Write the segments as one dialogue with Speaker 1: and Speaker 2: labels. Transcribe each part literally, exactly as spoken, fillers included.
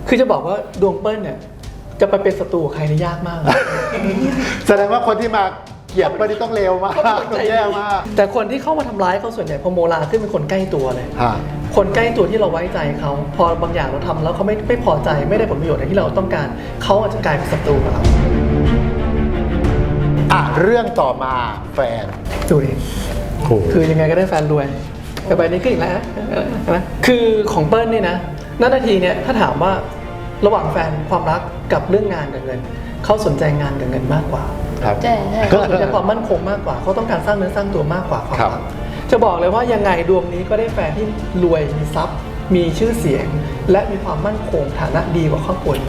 Speaker 1: คือจะบอกว่าดวงเปิ้ลเนี่ยจะไปเป็นศัตรูกับใครนี่ยากมาก
Speaker 2: แสดงว่าคนที่มาเกลียดเปิ้ลนี่ต้องเลวมากต้องแย่มาก
Speaker 1: แต่คนที่เข้ามาทำร้ายเขาส่วนใหญ่พอโมลาขึ้นเป็นคนใกล้ตัวเลย
Speaker 2: ฮะ
Speaker 1: คนใกล้ตัวที่เราไว้ใจเขาพอบางอย่างเราทำแล้วเขาไม่ไม่พอใจไม่ได้ผลประโยชน์อย่างที่เราต้องการเขาอาจจะกลายเป็นศัตรูกับเรา
Speaker 2: อ่ะเรื่องต่อมาแฟน
Speaker 1: ดูดิ
Speaker 2: โอ้
Speaker 1: คือยังไงก็ได้แฟนรวยแต่ใบนี้ขึ้นอีกแล้วนะคือของเปิ้ลนี่นะนาทีเนี่ยถ้าถามว่าระหว่างแฟนความรักกับเรื่องงานกับเงินเขาสนใจงานกับเงินมากกว่า
Speaker 2: ครับ
Speaker 3: ใช่ใช่
Speaker 1: เขาสนใจความมั่นคงมากกว่าเขาต้องการสร้างเนื้อสร้างตัวมากกว่าความรักจะบอกเลยว่ายังไงดวงนี้ก็ได้แฟนที่รวยมีทรัพย์ มีชื่อเสียง และมีความมั่นคงฐานะดีกว่าครอบครัว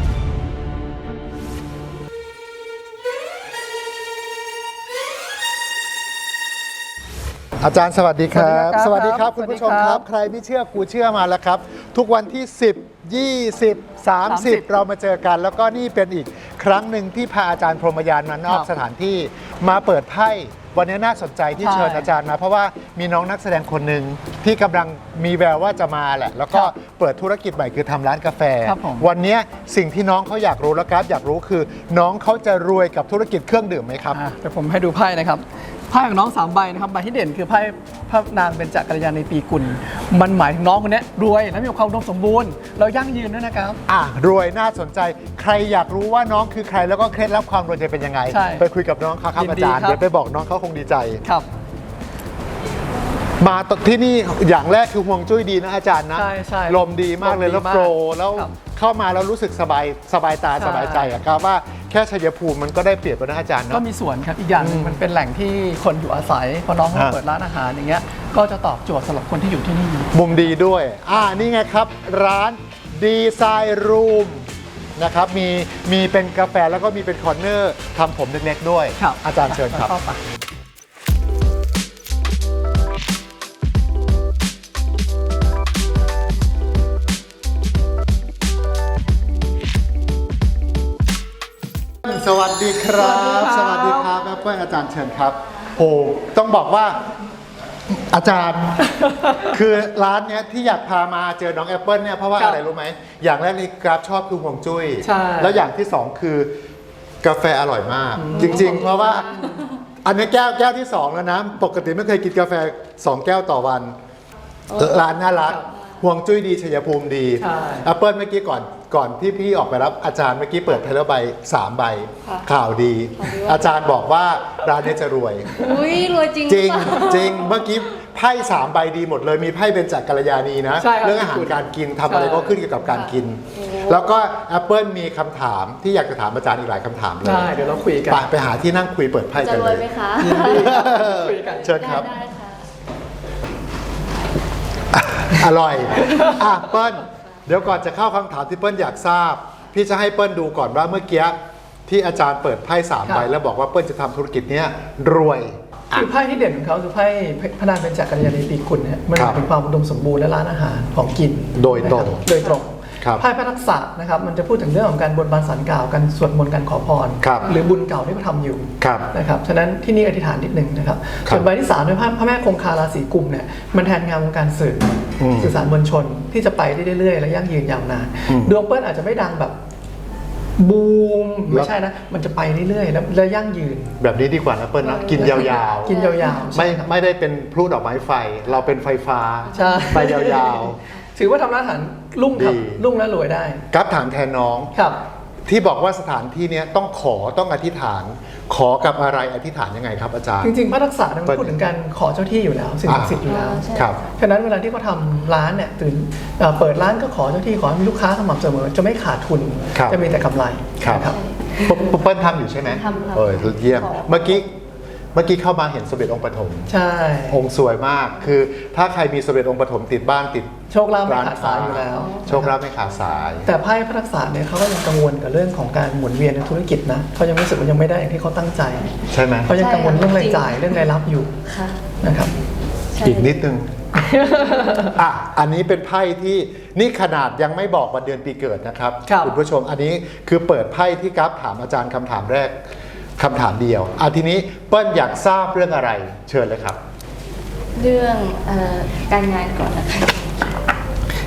Speaker 2: อาจารย์สวัสดีครับ
Speaker 1: สวัสดีครับ
Speaker 2: คุณผู้ชม
Speaker 1: สวัสดี
Speaker 2: ค
Speaker 1: ครั
Speaker 2: รับ
Speaker 1: บ
Speaker 2: ใครไม่เชื่อกูเชื่อมาแล้วครับ ทุกวันที่ สิบ ยี่สิบ สามสิบ
Speaker 1: สามสิบ
Speaker 2: เรามาเจอกัน แล้วก็นี่เป็นอีกครั้งหนึ่งที่พาอาจารย์พรหมยานมานอก
Speaker 1: ครับ
Speaker 2: สถานที่มาเปิดไพ่วันนี้น่าสนใจที่
Speaker 1: ใช่
Speaker 2: เชิญอาจารย์มา เพราะว่ามีน้องนักแสดงคนหนึ่งที่กำลังมีแววว่าจะมาแหละ แล้วก็
Speaker 1: ครับ
Speaker 2: เปิดธุรกิจใหม่คือทำร้านกาแฟ
Speaker 1: ครับผม
Speaker 2: วันนี้สิ่งที่น้องเขาอยากรู้แล้วครับอยากรู้คือ น้องเขาจะรวยกับธุรกิจเครื่องดื่มไหมครับ
Speaker 1: อ่ะเดี๋ยวผมให้ดูไพ่นะครับไพ่ของน้องสามใบนะครับใบที่เด่นคือไพ่พระนางเบญจกัลยาณีปีกุลมันหมายถึงน้องคนนี้รวยและมีความอุดมสมบูรณ์เรายั่งยืนด้วยนะครับ
Speaker 2: อ่ะรวยน่าสนใจใครอยากรู้ว่าน้องคือใครแล้วก็เคล็ดลับความรวยจะเป็นยังไง
Speaker 1: ใช่
Speaker 2: ไปคุยกับน้องเขาครับ
Speaker 1: ยิน
Speaker 2: อา
Speaker 1: ดี
Speaker 2: จารย์
Speaker 1: ครับ
Speaker 2: เดี๋ยวไปบอกน้องเขาคงดีใจ
Speaker 1: ครับ
Speaker 2: มาตที่นี่อย่างแรกคือห่วงจุ้ยดีนะอาจารย์นะ
Speaker 1: ใช่ใช่
Speaker 2: ลมดีมากเลย
Speaker 1: ลมดี
Speaker 2: แล้ว
Speaker 1: มาก
Speaker 2: โปรแล้ว
Speaker 1: ครับ
Speaker 2: เข้ามาแล้วรู้สึกสบายสบายตา
Speaker 1: ใช่
Speaker 2: สบายใจอะครับว่าแค่ชัยภูมิมันก็ได้เปรียบแล้วนะอาจารย์
Speaker 1: ก็
Speaker 2: เนาะ
Speaker 1: มีส่วนครับอีกอย่างหนึ่งมันเป็นแหล่งที่คนอยู่อาศัยพอน้องเขา
Speaker 2: ฮะ
Speaker 1: เปิดร้านอาหารอย่างเงี้ยก็จะตอบโจทย์สำหรับคนที่อยู่ที่นี่
Speaker 2: มุมดีด้วยอ่านี่ไงครับ ร้านดีไซน์รูมนะครับมีมีเป็นกาแฟแล้วก็มีเป็นคอร์เนอร์ทำผมเล็กๆด้วย
Speaker 1: ครับ
Speaker 2: อาจารย์เชิญครับ
Speaker 1: เข้าไป
Speaker 2: สวัสดีครับ ส
Speaker 1: สวั
Speaker 2: วัส
Speaker 1: สดี
Speaker 2: ดีค
Speaker 1: ครั
Speaker 2: รับบ แอปเปิ้ลอาจารย์เชิญครับโอ้ต้องบอกว่าอาจารย์ คือร้านเนี้ยที่อยากพามาเจอน้องแอปเปิลเนี่ยเพราะว่า
Speaker 1: ครับ
Speaker 2: อะไรรู้ไหมอย่างแรกที่กราฟชอบคือห่วงจุ้ย
Speaker 1: ใช่
Speaker 2: แล้วอย่างที่สองคือกาแฟอร่อยมาก จริง ๆ เพราะว่าอันนี้แก้วแก้วที่สองแล้วนะปกติไม่เคยกินกาแฟสองแก้วต่อวัน ร้านน่ารักห่วงจุ้ยดีชัยภูมิดี
Speaker 1: ใช่
Speaker 2: แอปเปิลเมื่อกี้ก่อนก่อนที่พี่ออกไปรับอาจารย์เมื่อกี้เปิดไทเลอร์ใบสามใบ
Speaker 3: ค่ะ
Speaker 2: ข่าวดี อาจารย์บอกว่าร้านนี้จะรวย
Speaker 3: อุ้ยรวยจริง
Speaker 2: จริง
Speaker 3: หอเปล่า
Speaker 2: จริงเมื่อกี้ไพ่สามใบดีหมดเลยมีไพ่เบญจกัลยาณีนะ
Speaker 1: ใช่ครับ
Speaker 2: เรื่องอาหารการกินทำอะไร
Speaker 1: ใช่
Speaker 2: ก็ขึ้นเกี่ยวกับการกิน แล้วก็ Apple มีคำถามที่อยากจะถามอาจารย์อีกหลายคำถามเลย
Speaker 1: ได้เดี๋ยวเราคุยกัน
Speaker 2: ไปไปหาที่นั่งคุยเปิดไพ่
Speaker 3: จะ
Speaker 2: กัน
Speaker 3: ร
Speaker 2: เล
Speaker 3: วย
Speaker 2: ย
Speaker 3: ไหมคะ
Speaker 1: ยินดีครับคุยกัน
Speaker 2: เชิญครับ
Speaker 3: ได้ได้ค่ะ
Speaker 2: อร่อยอ่ะเปิ้ลเดี๋ยวก่อนจะเข้าคำถามที่เปิ้ลอยากทราบ พี่จะให้เปิ้ลดูก่อนว่าเมื่อกี้ที่อาจารย์เปิดไพ่สาม
Speaker 1: ครับ
Speaker 2: ใบแล้วบอกว่าเปิ้ลจะทำธุรกิจเนี้ยรวย
Speaker 1: คือไพ่ที่เด่นของเขาคือไพ่พระนางเบญจกัลยาณีปีกุลเนี่ยมัน
Speaker 2: ครับ
Speaker 1: เป็นความอุดมสมบูรณ์และร้านอาหารของกิน
Speaker 2: โดยตรง
Speaker 1: นะครับโดยตรง
Speaker 2: ครับ
Speaker 1: ไพ่พระทักษะนะครับมันจะพูดถึงเรื่องของการบนบานสารกล่าวการสวดมนต์การขอพร
Speaker 2: ครับ
Speaker 1: หรือบุญเก่าที่เขาทำอยู่
Speaker 2: ครับ
Speaker 1: นะครับฉะนั้นที่นี่อธิษฐานนิดหนึ่งนะครับ
Speaker 2: ครับ
Speaker 1: ส่วนใบที่สามเป็นพระพระแม่คงคาราศีกุมเนี่ยมันแทนงานวงการสื่ออ
Speaker 2: ม
Speaker 1: สื่อสารมวลชนที่จะไปได้เรื่อยๆและยั่งยืนยาวนาน
Speaker 2: อืม
Speaker 1: ดวงเปิ้ลอาจจะไม่ดังแบบบูมไม่ใช่นะมันจะไปเรื่อยๆแล้วและยั่งยืน
Speaker 2: แบบนี้ดีกว่านะเปิ้ลนะกินยาวๆ
Speaker 1: กินยาวๆ
Speaker 2: ไม่
Speaker 1: ใช่ครับ
Speaker 2: ไม่ได้เป็นพลุดอกไม้ไฟ เราเป็นไฟฟ้า
Speaker 1: ใช่
Speaker 2: ไปยาว
Speaker 1: ถือว่าทำร้านอาหารรุ่งครับ
Speaker 2: ดี
Speaker 1: รุ่งและรวยได้
Speaker 2: ๆกับถามแทนน้อง
Speaker 1: ครับ
Speaker 2: ที่บอกว่าสถานที่เนี้ยต้องขอต้องอธิษฐาน ขอกับอะไรอธิษฐานยังไงครับอาจารย์
Speaker 1: จริงๆพระทักษะเนี่ยมัน
Speaker 2: เปิด
Speaker 1: พูดถึงการขอเจ้าที่อยู่แล้วสิ่งศักดิ์สิทธิ์อยู่แล้ว
Speaker 3: อ่าใช่
Speaker 2: ครับ
Speaker 1: ฉะนั้นเวลาที่เขาทำร้านเนี่ยตื่นเอ่อเปิดร้านก็ขอเจ้าที่ขอให้มีลูกค้าสม่ำเสมอจะไม่ขาดทุน
Speaker 2: ครับ
Speaker 1: จะมีแต่กำไร
Speaker 2: ครับ
Speaker 1: นะครับ
Speaker 2: ปุ๊บปุ๊บเปิ้ลทำอยู่ใช่ไหม
Speaker 3: ทำครับ
Speaker 2: เออเยี่ยม
Speaker 3: ขอ
Speaker 2: เมื่อกี้เมื่อกี้เข้ามาเห็นสมเด็จองค์ปฐม
Speaker 1: ใช่
Speaker 2: องค์สวยมาก คือถ้าใครมีสมเด็จองค์ปฐมติดบ้านติด
Speaker 1: โชคลาภไม่ขาดสายอยู่แล้ว
Speaker 2: โชคลาภไม่ขาดสาย
Speaker 1: แต่ไพ่พระทักษะเนี่ยเขาก็ยังกังวลกับเรื่องของการหมุนเวียนในธุรกิจนะเขายังรู้สึกว่ายังไม่ได้อย่างที่เขาตั้งใจ
Speaker 2: ใช่ไหม
Speaker 1: เขายังกังวลเรื่องราย
Speaker 3: ใช่
Speaker 1: จ่ายเรื่องรายรับอยู่
Speaker 3: ค่ะ
Speaker 1: นะครับ
Speaker 3: ใช่
Speaker 2: อีกนิดนึง อ่ะ อันนี้เป็นไพ่ที่นี่ขนาดยังไม่บอกวันเดือนปีเกิดนะครับ
Speaker 1: ครับ
Speaker 2: ณผู้ชม อันนี้คือเปิดไพ่ที่กราฟถามอาจารย์คำถามแรกคำถามเดียวอ่ะทีนี้เปิ้ลอยากทราบเรื่องอะไร เชิญเลยครับ
Speaker 3: เรื่องเอ่อการงานก่อนนะคะ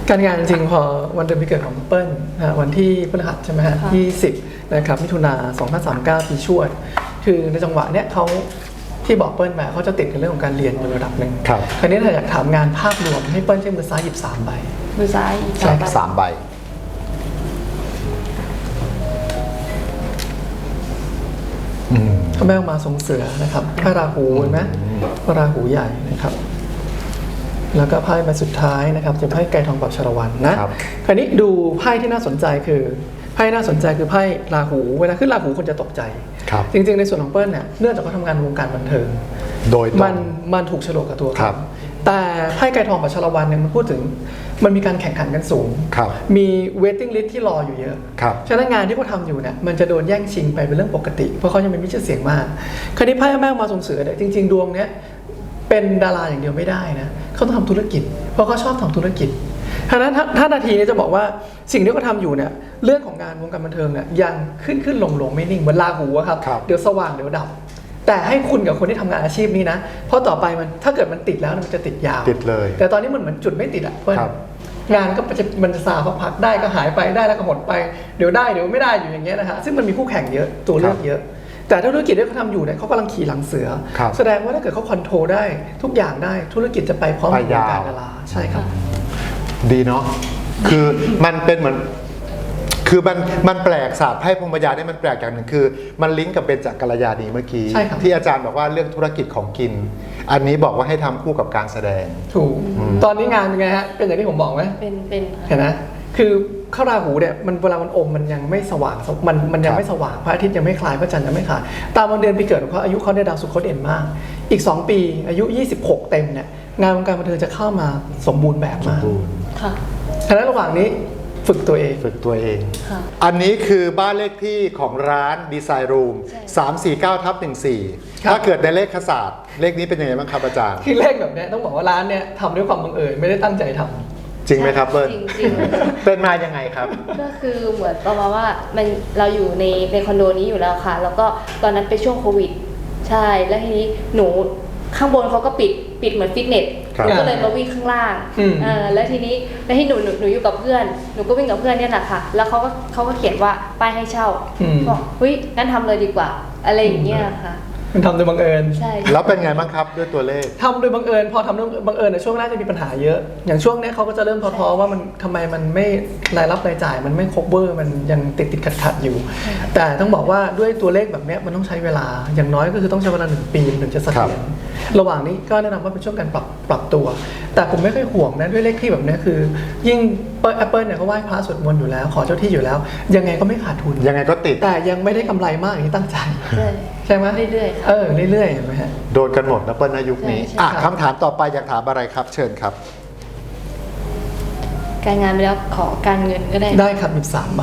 Speaker 1: การงานจริงๆพอวันเดือนปีเกิดของเปิ้ลนะฮะวันที่พฤหัสใช่ไหมฮะ
Speaker 3: ค่ะ
Speaker 1: ยี่สิบนะครับมิถุนาสองพันสามสิบเก้าปีชวด คือในจังหวะเนี้ยเขาที่บอกเปิ้ลมาเขาจะติดในเรื่องของการเรียนในระดับหนึ่ง
Speaker 2: ครับ
Speaker 1: คราวนี้ถ้าอยากถามงานภาพรวมให้เปิ้ลใช้มือซ้ายหยิบสามใบ
Speaker 3: มือซ้ายอีก
Speaker 1: ใช่
Speaker 3: สองใบ
Speaker 2: สามใบอืม
Speaker 1: พระแม่อุมาทรงเสือนะครับพระราหูเห็นไหมพระราหูใหญ่นะครับ แล้วก็ไพ่ใบสุดท้ายนะครับจะไพ่ไก่ทองปรับชรวันนะครับ คราวนี้ดูไพ่ที่น่าสนใจคือไพ่น่าสนใจคือไพ่ราหูเวลาขึ้นราหูคนจะตกใจ
Speaker 2: ครับ
Speaker 1: จริงๆในส่วนของเปิ้ลเนี่ยเนื่องจากเขาทำงานวงการบันเทิง
Speaker 2: โดยตรง
Speaker 1: มันมันถูกโฉลกกับตัว
Speaker 2: ครั
Speaker 1: เขา
Speaker 2: บ
Speaker 1: แต่ไพ่ไก่ทองปรับชรวันเนี่ยมันพูดถึงมันมีการแข่งขันกันสูง
Speaker 2: ครับ
Speaker 1: มี waiting list ที่รออยู่เยอะ
Speaker 2: ครับ
Speaker 1: ฉะนั้นงานที่เขาทำอยู่เนี่ยมันจะโดนแย่งชิงไปเป็นเรื่องปกติ เพราะเขายังเป็นมิชื่อเสียงมาก คราวนี้ไพ่แม่มาส่งเสือเนี่ยจริง ๆ ดวงเนี้ยเป็นดาราอย่างเดียวไม่ได้นะเขาต้องทำธุรกิจ เพราะเขาชอบทำธุรกิจฉะนั้นถ้าถ้านาทีนี้จะบอกว่าสิ่งที่เขาทำอยู่เนี่ยเรื่องของงานวงการบันเทิงเนี่ยยังขึ้นขึ้นลงลงไม่นิ่งเหมือนราหูอะครับ
Speaker 2: ครับ
Speaker 1: เดี๋ยวสว่างเดี๋ยวดับ แต่ให้คุณกับคนที่ทำงานอาชีพนี้นะเพราะต่อไปมันถ้าเกิดมันติดแล้วมันจะติดยาว
Speaker 2: ติดเลย
Speaker 1: แต่ตอนนี้มันเหมือนจุดไม่ติดอะเพื่อน
Speaker 2: ครับ
Speaker 1: งานก็จะมันจะซาพักๆได้ก็หายไปได้แล้วก็หดไปเดี๋ยวได้เดี๋ยวไม่ได้อยู่อย่างเงี้ยนะฮะซึ่งมันมีคู่แข่งเยอะตัวเลือกเยอะ แต่ถ้าธุรกิจที่เขาทำอยู่เนี่ยเขากำลังขี่หลังเสือ
Speaker 2: ครับ
Speaker 1: แสดงว่าถ้าเกิดเขาคอนโทรลได้ทุกอย่างได้ธุรกิจจะไปพร้อมกับวงการดาราใช่ครับ
Speaker 2: ดีเนาะ คือมันเป็นเหมือน คือมันมันแปลกศาสตร์ไพ่พรหมยาเนี่ยมันแปลกอย่างหนึ่งคือ มันลิงก์กับเบญจกัลยาณีเมื่อกี้
Speaker 1: ใช่ครับ
Speaker 2: ที่อาจารย์บอกว่าเรื่องธุรกิจของกิน อันนี้บอกว่าให้ทำคู่กับการแสดง
Speaker 1: ถูกตอนนี้งานเป็นไงฮะเป็นอย่างที่ผมบอกไหม
Speaker 3: เป็นเป็น
Speaker 1: เห็นไหมคือข้าวราหูเนี่ยมันเวลามันอมมันยังไม่สว่างมันมันยังไม่สว่างพระอาทิตย์ยังไม่คลายพระจันทร์ยังไม่คลายตามวันเดือนปีเกิดของเขาอายุเขาเนี่ยดาวศุกร์เขาเด่นมาก อีก สอง ปีอายุ ยี่สิบหก เต็มเนี่ยงานวงการบันเทิงจะเข้ามาสมบูรณ์แบบมาก
Speaker 3: ค่ะ
Speaker 1: ฉะนั้นระหว่างนี้ฝึกตัวเอง
Speaker 2: ฝึกตัวเอง
Speaker 3: ค่ะ
Speaker 2: อันนี้คือบ้านเลขที่ของร้านดีไซน์รูม
Speaker 3: ใช่
Speaker 2: สามสี่เก้าทับหนึ่งสี่
Speaker 1: ครับ
Speaker 2: ถ้าเกิดในเลขศาสตร์เลขนี้เป็นยังไงบ้างครับอาจารย์
Speaker 1: คือเลขแบบเนี้ยต้องบอกว่าร้านเนี่ยทำด้วยความบังเอิญไม่ได้ตั้งใจทำ
Speaker 2: จริงไหมครับเบิ้ล
Speaker 3: จริงจริง
Speaker 2: เป็นมายังไงครับ
Speaker 3: ก็คือเหมือนประมาณว่ามันเราอยู่ในในคอนโดนี้อยู่แล้วค่ะ แล้วก็ตอนนั้นเป็นช่วงโควิด ใช่แล้วทีนี้หนูข้างบนเขาก็ปิดปิดเหมือนฟิตเนส
Speaker 2: ครับ
Speaker 3: หนูก็เลยมาวิ่งข้างล่าง
Speaker 1: อืม
Speaker 3: เออแล้วทีนี้แล้วที่หนูหนูหนูอยู่กับเพื่อนหนูก็วิ่งกับเพื่อนเนี่ยแหละค่ะ แล้วเขาก็เขาก็เขียนว่าป้ายให้เช่า
Speaker 1: อืม
Speaker 3: บอกเฮ้ยงั้นทำเลยดีกว่า อะไรอย่างเงี้ยค่ะ
Speaker 1: มันทำโดยบังเอิญ
Speaker 3: ใช่
Speaker 2: แล้วเป็นไงบ้างครับด้วยตัวเลข
Speaker 1: ทำโดยบังเอิญพอทำโดยบังเอิญในยช่วงแรกจะมีปัญหาเยอะ อย่างช่วงเนี้ยเขาก็จะเริ่มท้อๆว่ามันทำไมมันไม่รายรับรายจ่ายมันไม่ครบเวอร์มันยังติดติดขัดขัดๆอยู่ แต่ต้องบอกว่าด้วยตัวเลขแบบเนี้ยมันต้องใช้เวลาอย่างน้อยก็คือต้องใช้เวลาหนึ่งปีถึงจะเสถียรระหว่างนี้ก็แนะนำว่าเป็นช่วงการปรับปรับตัว แต่ผมไม่ค่อยห่วงนะด้วยเลขที่แบบเนี้ยคือ ยิ่งแอปเปิลเนี่ยเขาไหว้พระสวดมนต์อยู่แล้ว ขอเจ้าที่อยู่แล้ว ยังไงก็ไม่ขาดทุน
Speaker 2: ยังไงก็ติด
Speaker 1: แต่ยังไม่ได้กำไรมากอย่างที่ตั้งใจ
Speaker 3: ใช่
Speaker 1: ใช่ไหม
Speaker 3: เรื่อยๆค่ะ
Speaker 1: เออเรื่อยๆเห็นไหมฮะ
Speaker 2: โดนกันหมดนะเปิ้ลนะยุคนี้
Speaker 3: ใช่ใช่
Speaker 2: อ่ะ
Speaker 1: ครับ
Speaker 2: คำถามต่อไปอยากถามอะไรครับ เชิญครับ
Speaker 3: การงานไปแล้วขอการเงินก็ได้
Speaker 1: ได้ครับหยิบสามใบ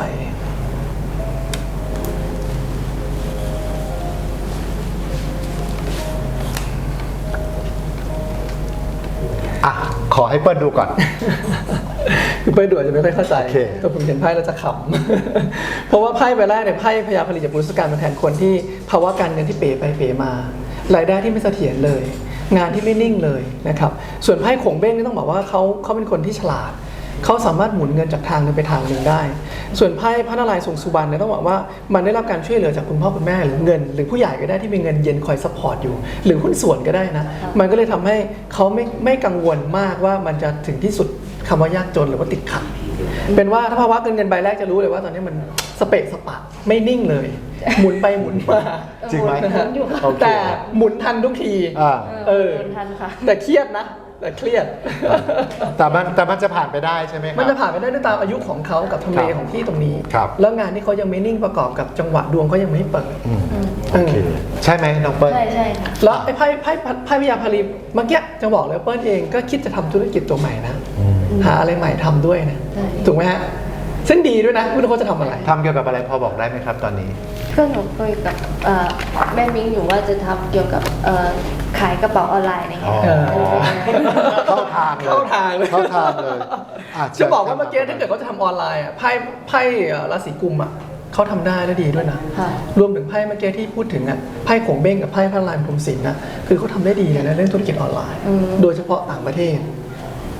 Speaker 2: อ่ะ ขอให้เปิ้ลดูก่อน
Speaker 1: คือเป้ยด่วนจะไม่ค่อยเข้าใจ
Speaker 2: โอเค
Speaker 1: แต่ผมเห็นไพ่แล้วจะขำ เพราะว่าไพ่ใบแรกเนี่ยไพ่พญาผลิตจากบุรุษการมาแทนคนที่ภาวะการเงินที่เป๋ไปเป๋มา รายได้ที่ไม่เสถียรเลย งานที่ไม่นิ่งเลยนะครับ ส่วนไพ่ขงเบ้งนี่ต้องบอกว่าเขาเขาเป็นคนที่ฉลาด เขาสามารถหมุนเงินจากทางหนึงไปทางหนึ่งได้ ส่วนไพ่พระนารายณ์ทรงสุบรรณเนี่ยต้องบอกว่ามันได้รับการช่วยเหลือจากคุณพ่อคุณแม่หรือเงิน หรือผู้ใหญ่ก็ได้ที่มีเงินเย็นคอยซัพพอร์ตอยู่ หรือหุ้นส่วนก็ได้นะ มันก็เลยทำให้เขาไม่ไม่กังวลมากว่ามันจะถึงที่สุดคำว่ายากจนหรือว่าติดขัด เป็นว่าถ้าภาวะเงินเงินใบแรกจะรู้เลยว่าตอนนี้มันสเปะสปะไม่นิ่งเลย หมุนไปหมุนมา
Speaker 2: จริงไหม
Speaker 1: นะฮะ
Speaker 3: อยู่ค่ะ
Speaker 2: โอเค
Speaker 1: แต่หมุนทันทุกที
Speaker 2: อ่า
Speaker 1: เออ
Speaker 3: โดนทันค่ะ
Speaker 1: แต่เครียดนะ แต่เครียด
Speaker 2: แต่มันแต่มันจะผ่านไปได้ใช่ไหมครับ
Speaker 1: มันจะผ่านไปได้ด้วยตามอายุของเขากับทำเล
Speaker 2: ครับ
Speaker 1: ของที่ตรงนี้
Speaker 2: ครับ
Speaker 1: แล้วงานที่เขายังไม่นิ่งประกอบกับจังหวะดวงเขายังไม่เปิด
Speaker 2: อืม
Speaker 3: อืม
Speaker 2: โอเค ใช่ไหมน้องเปิ้ล
Speaker 3: ใช่ใช่ค่ะ
Speaker 1: แล้วไอ้ไพ่ไพ่ไพ่พยาพารีเมื่อกี้จะบอกเลยว่าเปิ้ลเองก็คิดจะทำธุรกิจตัวใหม่นะ หาอะไรใหม่ทำด้วยนะ
Speaker 3: ใช่
Speaker 1: ถูกไหมฮะซึ่งดีด้วยนะไม่รู้เขาจะทำอะไร
Speaker 2: ทำเกี่ยวกับอะไรพอบอกได้ไหมครับตอนนี้
Speaker 3: เพื่อนหนูคุยกับเอ่อแม่มิ้งอยู่ว่าจะทำเกี่ยวกับเอ่อขายกระเป๋าออนไลน์อะไรเงี้ย
Speaker 1: เออ
Speaker 2: เข้าทางเลย
Speaker 1: เข้าทางเลย
Speaker 2: เข้าทางเลยอ่
Speaker 1: จะบอกว่าเมื่อกี้ถ้าเกิดเขาจะทำออนไลน์อ่ะไพ่ไพ่เอ่อราศีกุมอ่ะเขาทำได้และดีด้วยนะ
Speaker 3: ค่ะ
Speaker 1: รวมถึงไพ่เมื่อกี้ที่พูดถึงอ่ะไพ่ขงเบ้งกับไพ่พระลายพรหมศิลป์นะคือเขาทำได้ดีเลยนะเรื่องธุรกิจออนไลน์
Speaker 3: อืม
Speaker 1: โดยเฉพาะต่างประเทศ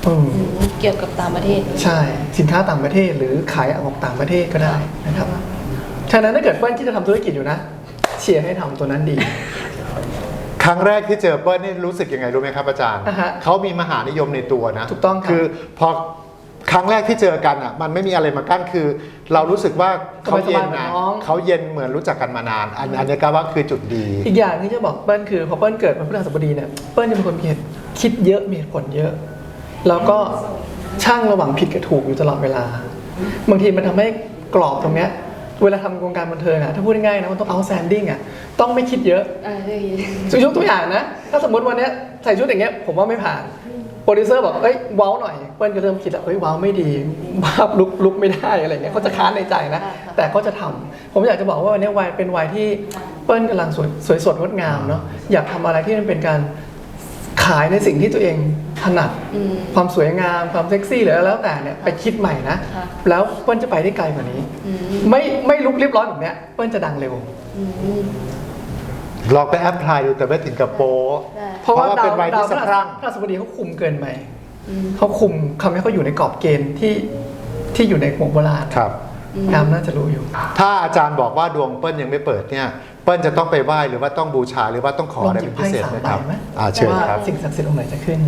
Speaker 1: อืม
Speaker 3: อืมเกี่ยวกับต่างประเทศ
Speaker 1: ใช่สินค้าต่างประเทศหรือขายออกต่างประเทศก็ได้นะครับฉะนั้นถ้าเกิดเปิ้ลที่จะทำธุรกิจอยู่นะเชียร์ให้ทำตัวนั้นดี
Speaker 2: ครั้งแรกที่เจอเปิ้ลนี่รู้สึกยังไงรู้ไหมครับอาจารย์
Speaker 1: อ่าฮะ
Speaker 2: เขามีมหานิยมในตัวนะ
Speaker 1: ถูกต้องครับ
Speaker 2: คือพอครั้งแรกที่เจอกันอ่ะมันไม่มีอะไรมากั้นคือ เรารู้สึกว่าเขาเย็น
Speaker 1: สบายๆเหมือ
Speaker 2: นะ
Speaker 1: นน้อง
Speaker 2: เขาเย็นเหมือนรู้จักกันมานาน อันอันนี้ก็ว่าคือจุดดี
Speaker 1: อีกอย่างที่จะบอกเปิ้ลคือพอเปิ้ลเกิดวันพฤหัสบดีเนี่ยเปิ้ลจะเป็นคนมีเหตุคิดเยอะมีเหตุผลเยอะ แล้วก็ช่างระหว่างผิดกับถูกอยู่ตลอดเวลา บางทีมันทำให้กรอบตรงเนี้ยเวลาทำวงการบันเทิงอะถ้าพูดง่ายๆนะมันต้อง outstanding อะต้องไม่คิดเยอะ
Speaker 3: อ่าใช่
Speaker 1: ยกตัวอย่างนะ ถ้าสมมติวันเนี้ยใส่ชุดอย่างเงี้ยผมว่าไม่ผ่านโปรดิวเซอร์บอกเอ้ยว้าวหน่อยเปิ้ลก็เริ่มคิดแล้วเอ้ยว้าวไม่ดีภาพลุกลุกไม่ได้อะไรเงี้ยเขาจะค้านในใจนะ แต่ก็จะทำผมอยากจะบอกว่าวันนี้วัยเป็นวัยที่เปิ้ลกำลังสวยสวยสดงดงามเนาะอยากทำอะไรที่มันเป็นการขายในสิ่งที่ตัวเองถนัด
Speaker 3: อืม
Speaker 1: ความสวยงามความเซ็กซี่หรืออะไรแล้วแต่เนี่ยไปคิดใหม่นะ
Speaker 3: ค่ะ
Speaker 1: แล้วเปิ้ลจะไปได้ไกลกว่านี้
Speaker 3: อืม
Speaker 1: ไม่ไม่ลุกเรียบร้อยแบบเนี้ยเปิ้ลจะดังเร็ว
Speaker 3: อืม
Speaker 2: ลองไปแอพพลายดูแต่ไม่ถึงกับโปะ
Speaker 3: ได้
Speaker 1: เพราะว่า
Speaker 2: เพราะว่า
Speaker 1: ดา
Speaker 2: เป็
Speaker 1: วน
Speaker 2: วัยที่
Speaker 1: ดาว
Speaker 2: สะพรั่ง
Speaker 1: พระราชบดีเขาคุมเกินไป
Speaker 3: อืม
Speaker 1: เขาคุมทำให้เขาอยู่ในกรอบเกณฑ์ที่ที่อยู่ในหมู่โบราณ
Speaker 2: ครับ
Speaker 1: งามน่าจะรู้อยู่
Speaker 2: ถ้าอาจารย์บอกว่าดวงเปิ้ลยังไม่เปิดเนี่ยเปิ้ลจะต้องไปไหว้หรือว่าต้องบูชาหรือว่าต้องขอ
Speaker 1: ลอง
Speaker 2: อะไร
Speaker 1: หยิ
Speaker 2: เป็
Speaker 1: บ
Speaker 2: นพิ
Speaker 1: ไพ่
Speaker 2: เศษ
Speaker 1: สาม
Speaker 2: ไหม
Speaker 1: ใบ
Speaker 2: ครับ
Speaker 1: ไหม
Speaker 2: อ่าเชิญ
Speaker 1: ว่า
Speaker 2: ครับ
Speaker 1: สิ่งศักดิ์สิทธิ์องค์ไหนจะขึ้น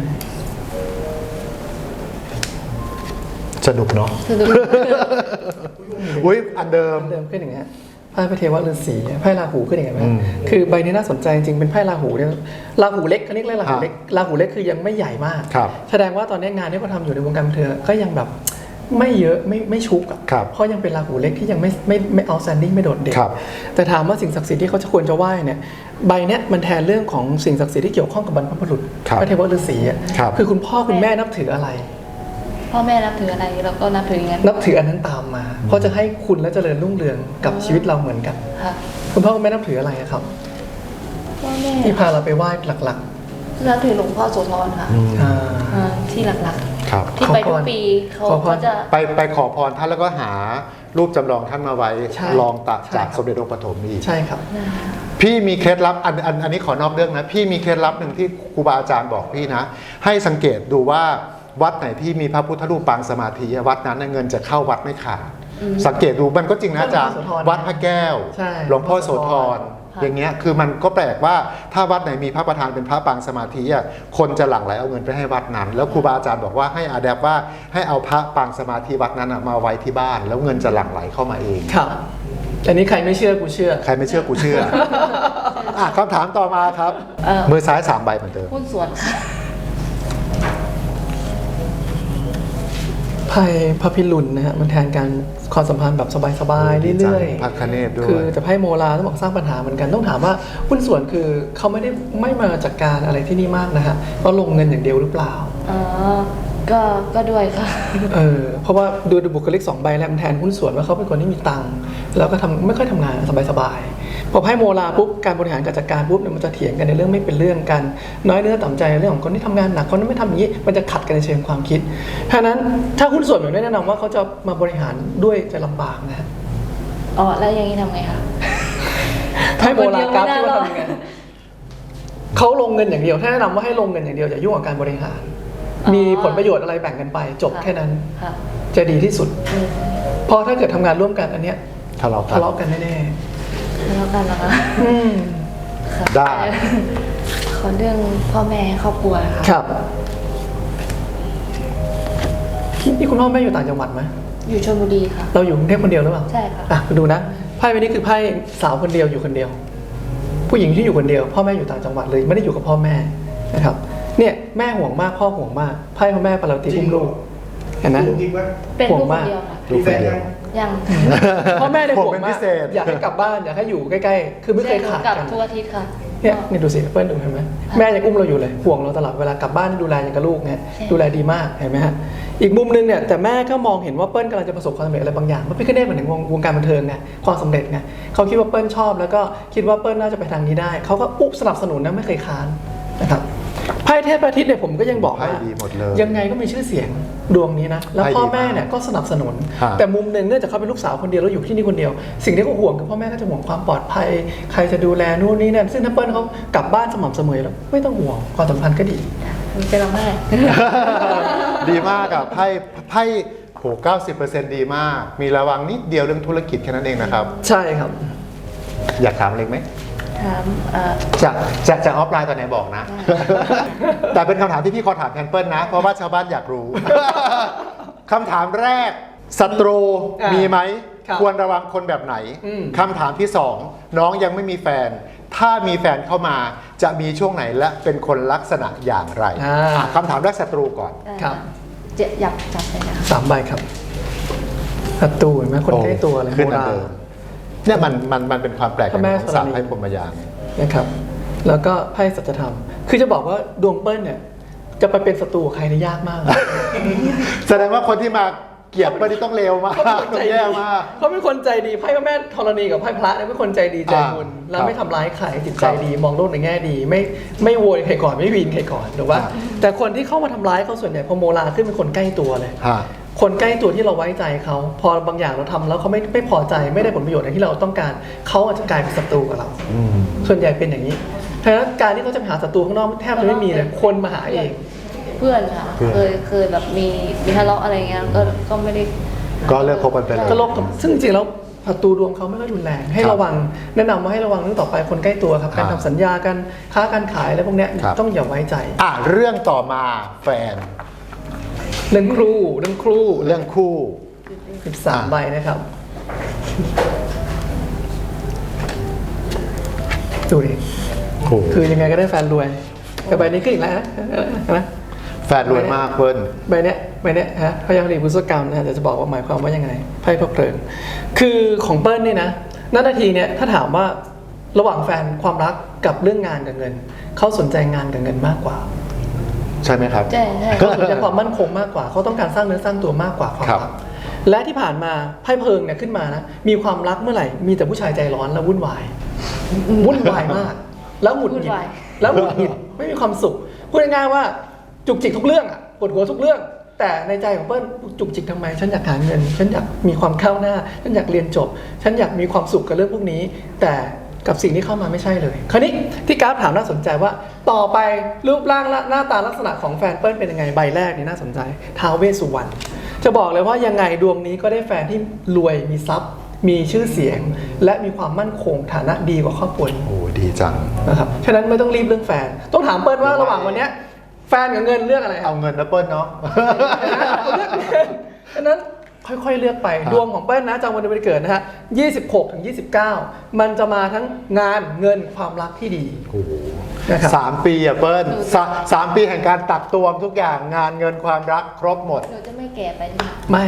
Speaker 2: สนุกเนาะ
Speaker 3: สนุก
Speaker 2: อุ้ยอันเดิม
Speaker 1: เดิมขึ้นอย่างเงี้ยไพ่พระเทวฤาษีไพ่ราหูขึ้นอย่างเงี้ยไหม
Speaker 2: อืม
Speaker 1: คือใบนี้น่าสนใจจริงๆเป็นไพ่ราหูเนี่ยราหูเล็กเขาเรียกราหูเล็กราหูเล็กคือยังไม่ใหญ่มาก
Speaker 2: ครับ
Speaker 1: แสดงว่าตอนนี้งานที่เขาทำอยู่ในวงการบันเทิงก็ยังแบบไม่เยอะไม่ไม่ชุกอะ
Speaker 2: ครับ
Speaker 1: เพราะยังเป็นราหูเล็กที่ยังไม่ไม่ไม่ outstanding ไม่โดดเด่น
Speaker 2: ครับ
Speaker 1: แต่ถามว่าสิ่งศักดิ์สิทธิ์ที่เขาจะควรจะไหว้เนี่ยใบเนี้ยมันแทนเรื่องของสิ่งศักดิ์สิทธิ์ที่เกี่ยวข้องกับบรรพบุรุษ
Speaker 2: ครับ
Speaker 1: พระเทวฤาษีอะ
Speaker 2: ครับ
Speaker 1: คือคุณพ่อคุณแม่นับถืออะไร
Speaker 3: พ่อแม่นับถืออะไรเราก็นับถืออย่างนั้น
Speaker 1: นับถืออันนั้นตามมา เพราะจะให้คุณและเจริญรุ่งเรืองกับชีวิตเราเหมือนกัน
Speaker 3: ค่ะ
Speaker 1: คุณพ่อคุณแม่นับถืออะไรอะครับ
Speaker 3: พ่อแม่
Speaker 1: ที่พาเราไปไหว้หลัก
Speaker 3: นับถือหลวงพ่อโสธรค่ะ
Speaker 2: อืม
Speaker 1: ๆอ่า
Speaker 3: อ่าที่หลัก
Speaker 2: ครับ
Speaker 3: ๆ ที่ไปทุกปีเขา
Speaker 1: ขอพร
Speaker 3: เขาจะ
Speaker 2: ไปไปขอพรท่านแล้วก็หารูปจำลองท่านมาไว้
Speaker 1: ใช่
Speaker 2: ลองตัด
Speaker 1: ใช่
Speaker 2: จาก
Speaker 1: ครับ
Speaker 2: สมเด็จองค์ปฐมอีก
Speaker 1: ใช่ครับ
Speaker 2: พี่มีเคล็ดลับอันอันอันนี้ขอนอกเรื่องนะ พี่มีเคล็ดลับหนึ่งที่ครูบาอาจารย์บอกพี่นะ ให้สังเกตดูว่าวัดไหนที่มีพระพุทธรูปปางสมาธิวัดนั้นน่ะเงินจะเข้าวัดไม่ขาด สังเกตดูมันก็จริงนะอาจารย์
Speaker 1: หลวงพ่อโสธร
Speaker 2: วัดพระแก้ว
Speaker 1: ใช่
Speaker 2: หลวงพ่อโสธร
Speaker 3: ค่ะ
Speaker 2: อย่างเงี้ยคือมันก็แปลกว่าถ้าวัดไหนมีพระประธานเป็นพระปางสมาธิอ่ะคนจะหลั่งไหลเอาเงินไปให้วัดนั้น แล้วครูบาอาจารย์บอกว่าให้อาแดปว่าให้เอาพระปางสมาธิวัดนั้นอะมาไว้ที่บ้าน แล้วเงินจะหลั่งไหลเข้ามาเอง
Speaker 1: ครับอันนี้ใครไม่เชื่อกูเชื่อ
Speaker 2: ใครไม่เชื่อกูเชื่อ อ่ะคำถามต่อมาครับ
Speaker 3: เอ่อ
Speaker 2: มือซ้ายสามใบเหมือนเดิม
Speaker 3: หุ้นส่วนค่ะ
Speaker 1: ไพ่พระพิรุณนะฮะมันแทนการความสัมพันธ์แบบสบายๆเรื่อย
Speaker 2: พระคเนศด้วย
Speaker 1: คือแต่ไพ่โมราต้องบอกสร้างปัญหาเหมือนกันต้องถามว่าหุ้นส่วนคือเขาไม่ได้ไม่มาจัดการอะไรที่นี่มากนะฮะเขาลงเงินอย่างเดียวหรือเปล่า
Speaker 3: อ๋อ ก็ก็ด้วยค่ะ
Speaker 1: เออเพราะว่าดูดูบุคลิกสองใบแล้วมันแทนหุ้นส่วนว่าเขาเป็นคนที่มีตังค์แล้วก็ทำไม่ค่อยทำงานสบายๆพอไพ่โมราปุ๊บการบริหารการจัดการปุ๊บเนี่ยมันจะเถียงกันในเรื่องไม่เป็นเรื่องกันน้อยเนื้อต่ำใจในเรื่องของคนที่ทำงานหนักคนที่ไม่ทำอย่างนี้มันจะขัดกันในเชิงความคิดเพราะฉะนั้นถ้าหุ้นส่วนแบบนี้แนะนำว่าเขาจะมาบริหารด้วยจะลำบากนะฮะ
Speaker 3: อ๋อ แล้วอย่างนี้ทำไงคะ
Speaker 1: ไพ่โมรากราฟ
Speaker 3: คนเดี
Speaker 1: ที่
Speaker 3: ยวไม่
Speaker 1: ว่า
Speaker 3: น่ารอด
Speaker 1: ทำยังไงเขาลงเงินอย่างเดียวถ้าแนะนำว่าให้ลงเงินอย่างเดียวอย่ายุ่งกับการบริหาร
Speaker 3: อ๋อ
Speaker 1: มีผลประโยชน์อะไรแบ่งกันไปจบแค่นั้น
Speaker 3: ค่ะ
Speaker 1: จะดีที่สุด
Speaker 3: อืม
Speaker 1: เพราะถ้าเกิดทำงานร่วมกันอันเนี้ย
Speaker 2: ทะเลาะกั
Speaker 1: ทะ
Speaker 2: น
Speaker 1: เลาะกันแน่
Speaker 3: แล้วกันนะคะ
Speaker 1: ๆอืม
Speaker 3: ค่ะ
Speaker 2: ได้
Speaker 3: ขอเรื่องพ่อแม่ครอบครัวค่ะ
Speaker 1: ครับนี่คุณพ่อแม่อยู่ต่างจังหวัดไหม
Speaker 3: อยู่ชลบุรีค่ะ
Speaker 1: เราอยู่กรุงเทพคนเดียวหรือเปล่า
Speaker 3: ใช่ค่ะ
Speaker 1: อ่ะดูนะไพ่ใบนี้คือไพ่สาวคนเดียวอยู่คนเดียว ผู้หญิงที่อยู่คนเดียว พ่อแม่อยู่ต่างจังหวัดเลยไม่ได้อยู่กับพ่อแม่นะครับ เนี่ยแม่ห่วงมากพ่อห่วงมากไพ่พ่อแม่ปาราติอุ้มลูกเห็นไหม
Speaker 3: เป็น
Speaker 1: ห่ว
Speaker 3: ลู
Speaker 1: ง
Speaker 3: กค
Speaker 1: มาน ก
Speaker 3: เดียวค่ะ
Speaker 2: ลูกคนเดียว
Speaker 3: ยัง
Speaker 1: พ่อแม่เนี่ย
Speaker 2: ห่วง
Speaker 1: ห่วง
Speaker 2: เป็น
Speaker 1: มา
Speaker 2: พิ
Speaker 1: ก
Speaker 2: เศษ
Speaker 1: อยากให้กลับบ้านอยากให้อยู่ใกล้ๆ คือไม่เคยขาด
Speaker 3: กลับ
Speaker 1: กัน
Speaker 3: ทุกอาทิตย์ค่ะ
Speaker 1: เนี่ยนี่ดูสิเปิ้ลดูเห็นไหมแม่ยังอุ้มเราอยู่เลยห่วงเราตลอดเวลากลับบ้านดูแลอย่างกับลูกเนี่ย
Speaker 3: ใช่
Speaker 1: ดูแลดีมากเห็นไหมฮะอีกมุมนึงเนี่ยแต่แม่ก็มองเห็นว่าเปิ้ลกำลังจะประสบความสำเร็จอะไรบางอย่างเพราะพี่ก็ได้เหมือนถึงวงวงการบันเทิงไงความสำเร็จไงเขาคิดว่าเปิ้ลชอบแล้วก็คิดว่าเปิ้ลน่าจะไปทางนี้ได้เขาก็อุ๊บสนับสนุนนะไม่เคยค้านนะครับไพ่เทพอาทิตย์เนี่ยผมก็ยังบอกว่า
Speaker 2: ไพ่ดีหมดเลย
Speaker 1: ยังไงก็มีชื่อเสียงดวงนี้นะแล้ว
Speaker 2: ไพ่ดี
Speaker 1: พ่อแม่เนี่ยก็สนับสนุน
Speaker 2: ฮะ
Speaker 1: แต่มุมหนึ่งเนื่องจากเขาเป็นลูกสาวคนเดียวแล้วอยู่ที่นี่คนเดียว สิ่งที่เขาห่วงคือพ่อแม่ก็จะห่วงความปลอดภัย ใครจะดูแลนู่นนี่นั่นซึ่งถ้าเปิ้ลเขากลับบ้านสม่ำเสมอแล้วไม่ต้องห่วงความสัมพันธ์ก็ดี
Speaker 3: มันจะร้องไห้
Speaker 2: ดดีมากอะไพ่ไพ่โหเก้าสิบเปอร์เซ็นต์ดีมาก มีระวังนิดเดียวเรื่องธุรกิจแค่นั้นเองนะครับ
Speaker 1: ใช่ครับ
Speaker 2: อยากถามอะไรไหม
Speaker 3: ถามเอ่อ
Speaker 2: จะจะจะออฟไลน์ตอนไหนบอกนะ แต่เป็นคำถามที่พี่ขอถามแทนเปิลนะ เพราะว่าชาวบ้านอยากรู้ คำถามแรกศัตรู
Speaker 1: อ่ามี
Speaker 2: มีไหม
Speaker 1: ครับ
Speaker 2: ควรระวังคนแบบไหน
Speaker 1: อืม
Speaker 2: คำถามที่สองน้องยังไม่มีแฟน ถ้ามีแฟนเข้ามาจะมีช่วงไหนและเป็นคนลักษณะอย่างไร
Speaker 1: อ่า
Speaker 2: อ่ะคำถามแรกศัตรูก่อน
Speaker 1: ครับ
Speaker 3: จะอยากจับเลยนะคะ
Speaker 1: สามใบครับศัตรูเห็นไหมคนใกล้ตัวเลย
Speaker 2: ขึ้น
Speaker 1: โบ
Speaker 2: อัน
Speaker 1: รา
Speaker 2: เดิ
Speaker 1: ณ
Speaker 2: มเนี่ยมันมันมันเป็นความแปลก
Speaker 1: พระแม่
Speaker 2: ของ
Speaker 1: ธรณี
Speaker 2: ศาสตร์ไพ่พรหมยาน
Speaker 1: นะครับ แล้วก็ไพ่สัจธรรม คือจะบอกว่าดวงเปิ้ลเนี่ย จะไปเป็นศัตรูกับใครนี่ยากมาก
Speaker 2: แสดงว่าคนที่มาเกลียดเปิ้ลนี่ต้องเลวมาก
Speaker 1: เขาเป็นคน
Speaker 2: ต้อ
Speaker 1: ใจ
Speaker 2: งแย่
Speaker 1: ดี
Speaker 2: มาก
Speaker 1: เขาเป็นคนใจดีไพ่พระแม่ธรณีกับไพ่พระเนี่ยเป็นคนใจดีใจบุญ
Speaker 2: อ่า
Speaker 1: แล้วไม่ทำร้ายใครจิต
Speaker 2: ค
Speaker 1: ใจ
Speaker 2: รับ
Speaker 1: ดีมองโลกในแง่ดี ไม่ไม่โวยใครก่อนไม่วีนใครก่อนหรือว่า
Speaker 2: ครับ
Speaker 1: แต่คนที่เข้ามาทำร้ายเขาส่วนใหญ่พอโมลาขึ้นเป็นคนใกล้ตัวเลย
Speaker 2: ฮะ
Speaker 1: คนใกล้ตัวที่เราไว้ใจเขาพอบางอย่างเราทำแล้วเขาไม่ไม่พอใจไม่ได้ผลประโยชน์อย่างที่เราต้องการเขาอาจจะกลายเป็นศัตรูกับเรา
Speaker 2: อืม
Speaker 1: ส่วนใหญ่เป็นอย่างนี้เพราะฉะนั้นการที่เขาจะไปหาศัตรูข้างนอกแทบจะไม่มีเลยคนมาหาเอง
Speaker 3: เพื่อนค่ะ
Speaker 2: เพื่อน
Speaker 3: เคยเคยแบบมีมีทะเลาะอะไรเงี้ยก็ก็ไม่ได้
Speaker 2: ก็เลิกคบกันไปเลย
Speaker 1: ก็ลบกับซึ่งจริงๆแล้วศัตรูดวงเขาไม่ค่อยรุนแรงให้
Speaker 2: ครับ
Speaker 1: ระวังแนะนำว่าให้ระวังเรื่องต่อไปคนใกล้ตัวครับ
Speaker 2: ครั
Speaker 1: กา
Speaker 2: บ
Speaker 1: รทำสัญญากันค้าการขายอะไรพวกเนี้ย
Speaker 2: ครับ
Speaker 1: ต้องอย่าไว้ใจ
Speaker 2: อ่ะเรื่องต่อมาแฟน
Speaker 1: เรื่องครูเรื่องครู
Speaker 2: เรื่องคู่
Speaker 1: สิบสาม
Speaker 2: อ่ะ
Speaker 1: ใบนะครับดูดิ
Speaker 2: คู่
Speaker 1: คือยังไงก็ได้แฟนรวยแต่ใบนี้ขึ้นอีกแล้วนะเห็นไหม
Speaker 2: แฟนรวยมากเปิ้ล
Speaker 1: ใบเนี้ยใบเนี้ยฮะพยาคดีพุทธกรรมนะจะจะบอกว่าหมายความว่ายังไงไพ่พระเพลิงคือของเปิ้ลนี่นะณนาทีเนี้ยถ้าถามว่าระหว่างแฟนความรักกับเรื่องงานกับเงินเขาสนใจงานกับเงินมากกว่า
Speaker 2: ใช่ไหมครับ
Speaker 3: ใช่ใช่
Speaker 1: เขาสนใจความมั่นคงมากกว่าเขาต้องการสร้างเนื้อสร้างตัวมากกว่าความ
Speaker 2: ครับ
Speaker 1: รักและที่ผ่านมาไพ่เพลิงเนี่ยขึ้นมานะมีความรักเมื่อไหร่มีแต่ผู้ชายใจร้อนและวุ่นวายวุ่นวายมาก แล้วหงุดหงิดแล้วหงุดหงิดไม่มีความสุขพูดง่ายๆว่าจุกจิกทุกเรื่องอะปวดหัวทุกเรื่อง แต่ในใจของเปิ้ลจุกจิกทำไม ฉันอยากหาเงิน ฉันอยากมีความก้าวหน้า ฉันอยากเรียนจบ ฉันอยากมีความสุขกับเรื่องพวกนี้ แต่กับสิ่งที่เข้ามาไม่ใช่เลย คราวนี้ที่กราฟถามน่าสนใจว่า ต่อไปรูปร่างและหน้าตาลักษณะของแฟนเปิ้ลเป็นยังไงใบแรกนี่น่าสนใจท้าวเวสสุวรรณจะบอกเลยว่ายังไงดวงนี้ก็ได้แฟนที่รวยมีทรัพย์ มีชื่อเสียง และมีความมั่นคงฐานะดีกว่าครอบครัวนี้
Speaker 2: โอ้ดีจัง
Speaker 1: นะครับฉะนั้นไม่ต้องรีบเรื่องแฟน ต้องถามเปิ้ลว่าระหว่างวันเนี้ยแฟนกับเงินเลือกอะไรครับ
Speaker 2: เอาเงินนะเปิ้ลเนาะ
Speaker 1: ฉะนั้นค่อยๆเลือกไป
Speaker 2: ครับ
Speaker 1: ดวงของเปิ้ลนะจำวันเดือนปีเกิดนะฮะยี่สิบหกถึงยี่สิบเก้ามันจะมาทั้งงานเงินความรักที่ดี
Speaker 2: โอ้โห
Speaker 1: นะครับ
Speaker 2: สามปีอะเปิ้ลสาสามปีแห่งการตักตวงทุกอย่างงานเงินความรักครบหมด
Speaker 3: หนูจะไม่แก่ไปใช่ไหม
Speaker 1: ไม่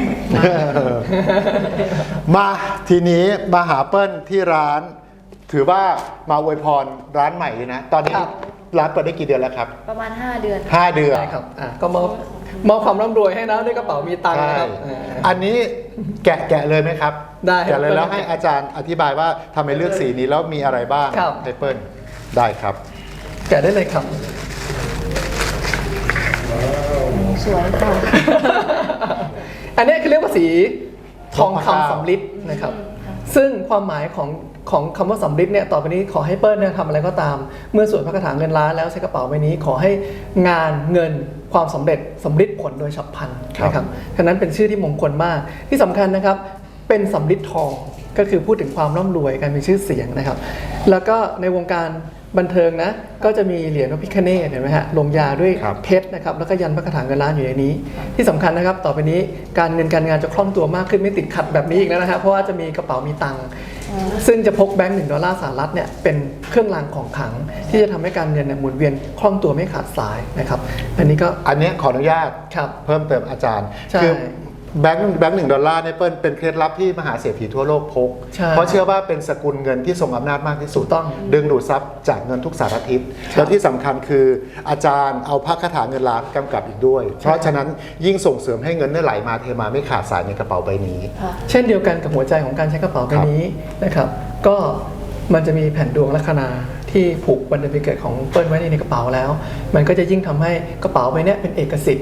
Speaker 2: มาทีนี้มาหาเปิ้ลที่ร้าน ถือว่ามาอวยพรร้านใหม่เลยนะ ตอนนี้
Speaker 1: ครับ
Speaker 2: ร้านเปิดได้กี่เดือนแล้วครับ
Speaker 3: ประมาณห้าเดือน
Speaker 2: ห้าเดือน
Speaker 1: ใช่ครับอ่ะก็มอบมอบความร่ำรวยให้นะด้วยกระเป๋ามีตังค์
Speaker 2: ใช่
Speaker 1: นะครับอ่า
Speaker 2: อันนี้แกะแกะเลยไหมครับ
Speaker 1: ได้
Speaker 2: แกะเลยแล้ว
Speaker 1: ครับ
Speaker 2: ให้อาจารย์อธิบายว่าทำไมเลือกสีนี้แล้วมีอะไรบ้าง
Speaker 1: ครับ
Speaker 2: ให้เปิ้ลได้ครับ
Speaker 1: แกะได้เลยครับ
Speaker 3: สวยค่ะ
Speaker 1: อันนี้คือเรียกว่าสีทอง
Speaker 2: ทองคำ
Speaker 1: คำสำริดนะครับ ซึ่งความหมายของของคำว่าสำริดเนี่ยต่อไปนี้ขอให้เปิ้ลเนี่ยทำอะไรก็ตาม เมื่อสวดพระคาถาเงินล้านแล้วใช้กระเป๋าใบนี้ ขอให้งานเงินความสำเร็จสำริดผลโดยฉับพลันนะครับฉะนั้นเป็นชื่อที่มงคลมากที่สำคัญนะครับ เป็นสำริดทองก็คือพูดถึงความร่ำรวยการมีชื่อเสียงนะครับ แล้วก็ในวงการบันเทิงนะก็จะมีเหรียญพระพิฆเนศเห็นไหมฮะลงยาด้วย
Speaker 2: ครับ
Speaker 1: เพชรนะครับแล้วก็ยันพระคาถาเงินล้านอยู่ในนี้ ที่สำคัญนะครับ ต่อไปนี้การเงินการงานจะคล่องตัวมากขึ้นไม่ติดขัดแบบนี้อีกแล้วนะฮะเพราะว่าจะมีกระเป๋ามีตังค์ซึ่งจะพกแบงค์หนึ่งดอลลาร์สหรัฐเนี่ยเป็นเครื่องรางของขลัง ที่จะทำให้การเงินเนี่ยหมุนเวียนคล่องตัวไม่ขาดสายนะครับอันนี้ก็
Speaker 2: อันเนี้ยขออนุญาต
Speaker 1: ครับ
Speaker 2: เพิ่มเติมอาจารย์
Speaker 1: ใช่
Speaker 2: คือแบงค์แบงค์หนึ่งดอลลาร์เนี่ยเปิ้ลเป็นเคล็ดลับที่มหาเศรษฐีทั่วโลกพก
Speaker 1: ใช่
Speaker 2: เพราะเชื่อว่าเป็นสกุลเงินที่ทรงอำนาจมากที่สุด
Speaker 1: ถูกต้อง
Speaker 2: ดึงดูดทรัพย์จากเงินทุกสารทิศแล้วที่สำคัญคืออาจารย์เอาพระคาถาเงินล้านกำกับอีกด้วย เพราะฉะนั้นยิ่งส่งเสริมให้เงินเนี่ยไหลมาเทมาไม่ขาดสายในกระเป๋าใบนี้
Speaker 3: ค่ะ
Speaker 1: เช่นเดียวกันกับหัวใจของการใช้กระเป๋าใบนี้นะครับ ก็มันจะมีแผ่นดวงลัคนาที่ผูกวันเดือนปีเกิดของเปิ้ลไว้ในกระเป๋าแล้ว มันก็จะยิ่งทำให้กระเป๋าใบเนี้ยเป็นเอกสิทธิ์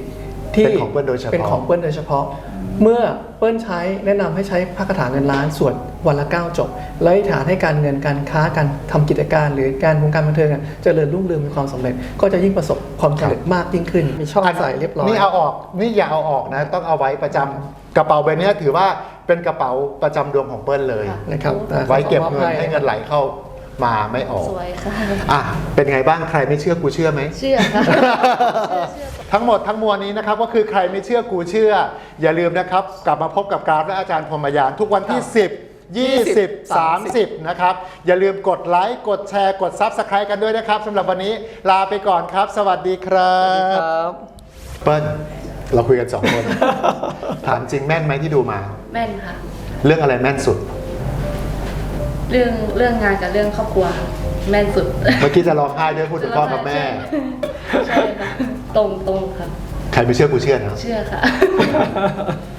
Speaker 1: ที่
Speaker 2: เป็นของเปิ้ลโดยเฉพาะ
Speaker 1: เป็นของเปิ้ลโดยเฉพาะ เมื่อเปิ้ลใช้แนะนำให้ใช้พระคาถาเงินล้านสวดวันละเก้าจบแล้วอธิษฐานให้การเงินการค้าการทำกิจการ หรือการวงการบันเทิงอะเจริญรุ่งเรืองมีความสำเร็จ ก็จะยิ่งประสบความสำเร็จมากยิ่งขึ้น มีช่องใส่เรียบร้อย
Speaker 2: นี่เอาออกนี่อย่าเอาออกนะต้องเอาไว้ประจำกระเป๋าใบเนี้ยถือว่าเป็นกระเป๋าประจำดวงของเปิ้ลเลย
Speaker 3: ค่ะ
Speaker 1: นะครับ
Speaker 2: ไว้เก็บเงินให้เงินไหลเข้ามาไม่ออก
Speaker 3: สวยค่ะ
Speaker 2: อ่ะเป็นไงบ้างใครไม่เชื่อกูเชื่อไหม
Speaker 3: เชื่อค่ะ
Speaker 2: ทั้งหมดทั้งมวลนี้นะครับก็คือใครไม่เชื่อกูเชื่อ อย่าลืมนะครับ กลับมาพบกับกราฟและอาจารย์พรหมยานทุกวันที่ สิบ ยี่สิบ สามสิบ นะครับ อย่าลืมกดไลค์กดแชร์กด Subscribe กันด้วยนะครับสำหรับวันนี้ลาไปก่อนครับ สวัสดีครั
Speaker 1: สวัสดีค
Speaker 2: บ
Speaker 1: รับ
Speaker 2: เปิ้ลเราคุยกันสองคน ถามจริงแม่นไหมที่ดูมา
Speaker 3: แม่นค่ะ
Speaker 2: เรื่องอะไรแม่นสุด
Speaker 3: เรื่องเรื่องงานกับเรื่องครอบครัวแม่นสุด
Speaker 2: เมื่อกี้จะร้องไห้ด้วยพูดถึงพ่อกับแม่
Speaker 3: ใช่ค่ะ ตรงตรงค่ะ
Speaker 2: ใครไม่เชื่อกูเชื่อนะ
Speaker 3: เชื่อค่ะ